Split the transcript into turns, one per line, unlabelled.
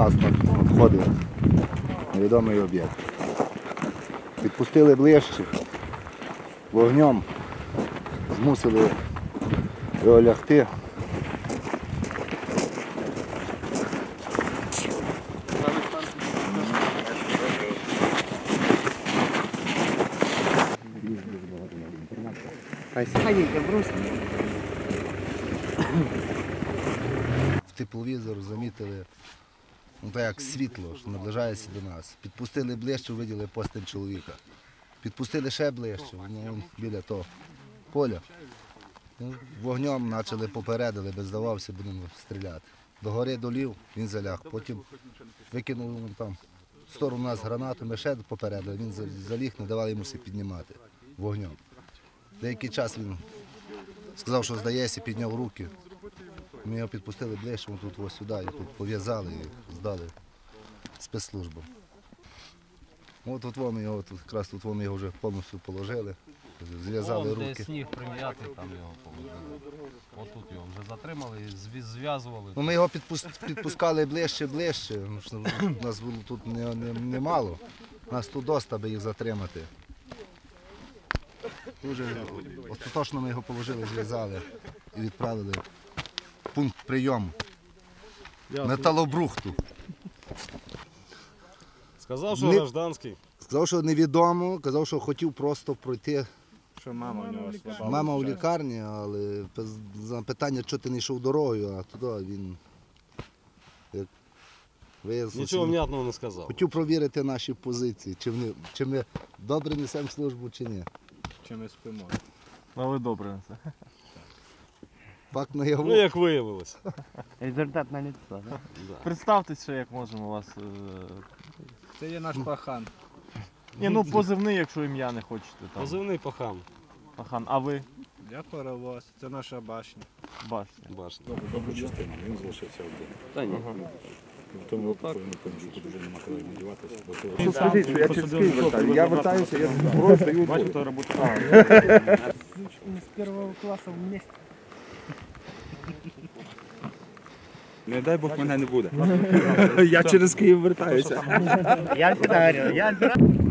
нас надходив невідомий об'єкт. Підпустили ближче, вогнем змусили його лягти. В тепловізор замітили, так як світло, що наближається до нас. Підпустили ближче, виділи постать чоловіка. Підпустили ще ближче, біля того поля. Вогнем почали попередили, без здавався, будемо стріляти. До гори долів, він заляг, потім викинув там в сторону нас гранату, ми ще попередили, він заліг, не давали йому все піднімати вогнем. Деякий час він сказав, що здається, підняв руки. Ми його підпустили ближче, ми тут ось сюди, і тут пов'язали і здали спецслужбам. От тут ми його, якраз тут ми його вже повністю положили, зв'язали руки.
Де сніг прим'ятий, там його положили. Ось тут його вже затримали, зв'язували.
Ми його підпускали ближче. Нас було тут немало, нас тут доста, аби їх затримати. Дуже остаточно ми його положили, зв'язали і відправили в пункт прийому металобрухту.
Сказав, що гражданський.
Сказав, що невідомо, казав, що хотів просто пройти.
Що мама в нього слаба.
Мама у лікарні, але за питання, що ти не йшов дорогою, а туди він
нічого внятного не сказав.
Хотів провірити наші позиції, чи ми добре несемо службу, чи ні.
Чи ми спимо.
Але добре на це.
Факт наяву.
Ну, як виявилося.
Результат на лицо, да?
Представтесь ще, як можемо вас.
Це є наш пахан.
Ні, ну позивний, якщо ім'я не хочете. Там.
Позивний пахан.
Пахан, а ви?
Я паровоз, це наша башня.
Башня.
Башня.
Добру частину, він залишився один.
Та ні.
В тому випадку він поміж, тут вже нема коли надіватися.
Скажіть, що я через Київ вертаю. Я вертаюся, я зброю стою.
Бачу, то робота.
Мы с первого класса вместе.
Не дай Бог мене не буде. Я через Київ вертаюся.
Я всегда говорил,